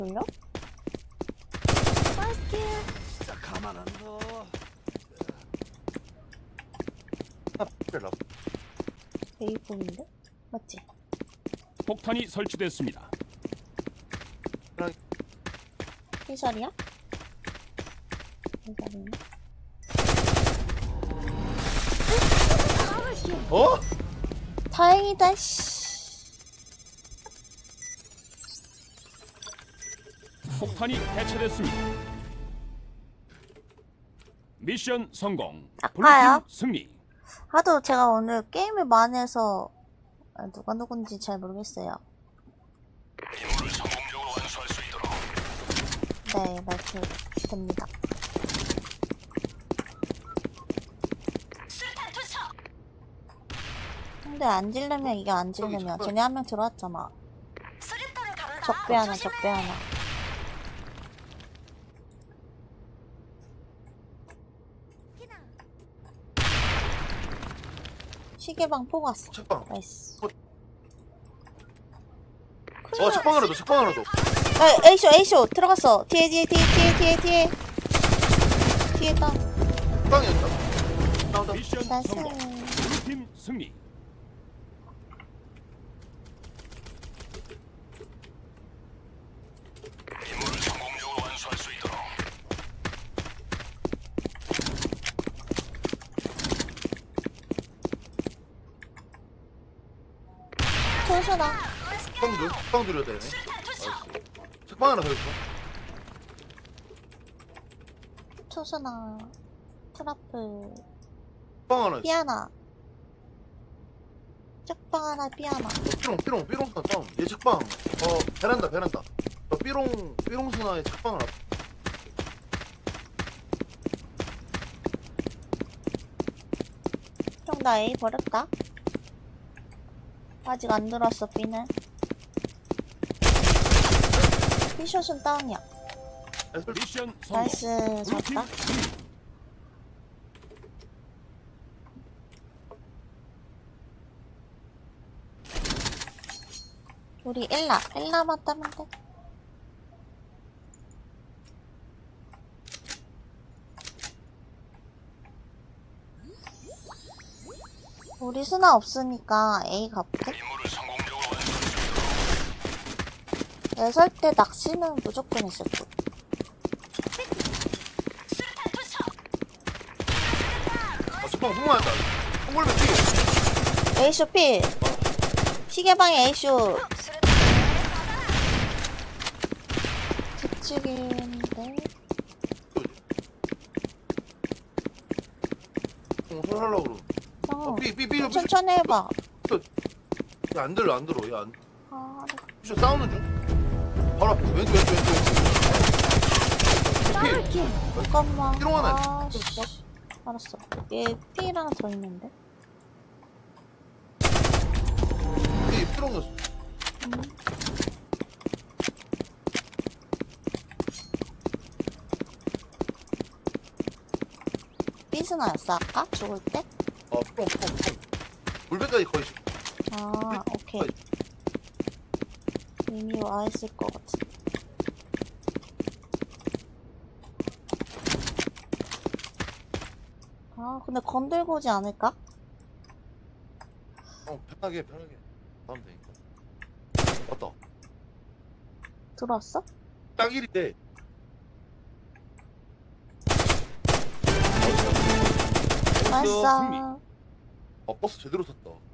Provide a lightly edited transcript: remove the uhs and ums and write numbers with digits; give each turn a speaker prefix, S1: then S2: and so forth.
S1: 돌려? 맛있게.
S2: 진짜 가만 안 둬.
S1: 베이컨인데? 맞지?
S3: 폭탄이 설치됐습니다.
S1: 피셜이야? 피셜이네.
S2: 어?
S1: 다행이다. 씨.
S3: 폭탄이 해체됐습니다. 미션 성공.
S1: 아까요?
S3: 블루팀 승리.
S1: 하도 제가 오늘 게임을 많이 해서 누가 누군지 잘 모르겠어요.
S3: 임무를 성공적으로 완수할 수 있도록.
S1: 네, 말투 됩니다. 근데 안 질려면 이게 안 질려면 쟤네 한 명 들어왔잖아. 적배 하나, 적배 하나. 시계방 포 갔어.
S2: 책방.
S1: 나이스.
S2: 책방 하나 더, 책방 하나 더.
S1: 에이쇼, 에이쇼 들어갔어. 뒤에 뒤에 있다.
S2: 책방이었다. 나온다.
S3: 미션
S1: 나이스.
S3: 성공. 블루팀 승리. 임무를 성공적으로 완수할 수 있도록.
S1: 조수나.
S2: 책방 들여야 되네. 나이스. 책방 하나 더 있어.
S1: 초수나. 트러플.
S2: 책방 하나 있어.
S1: 삐아나. 쪽방 하나 삐아나.
S2: 삐롱 스나 다운. 얘 책방. 베란다. 삐롱 스나의 책방 하나.
S1: 형 나 A 버렸다. 아직 안 들었어 B는. B숏은 다운이야.
S3: 미션 성공.
S1: 나이스.
S3: 블루팀
S1: 잡다.
S3: 승리.
S1: 우리 엘라만 따면 돼. 우리 스나 없으니까 A 가볼게.
S3: 임무를 성공적으로 완수할 수
S1: 애설 때 낚시는 무조건 있을 듯.
S2: 책방 흥망한다. 홍골배 뛰어.
S1: A쇼 필. 시계방에 A쇼. 집중인데.
S2: 손 하려고 그러.
S1: 형,
S2: 삐.
S1: 천천히 해봐.
S2: 안 들어. 얘 안.
S1: 아,
S2: 삐쇼 싸우는 중. 바로 앞에 왼쪽. 피.
S1: 잠깐만.
S2: 삐롱 하나
S1: 아, 씨. 알았어. 얘 P랑 더 있는데.
S2: 삐롱이었어.
S1: 삐스나였어 아까? 죽을 때?
S2: 삐롱. 물배까지 거의.
S1: 아, 오케이. 이미 와 있을 것 같아. 아, 근데 건들고 오지 않을까?
S2: 편하게. 하면 되니까. 맞다.
S1: 들어왔어?
S2: 딱 1인데.
S1: 맛있어.
S3: 승리.
S2: 버스 제대로 탔다.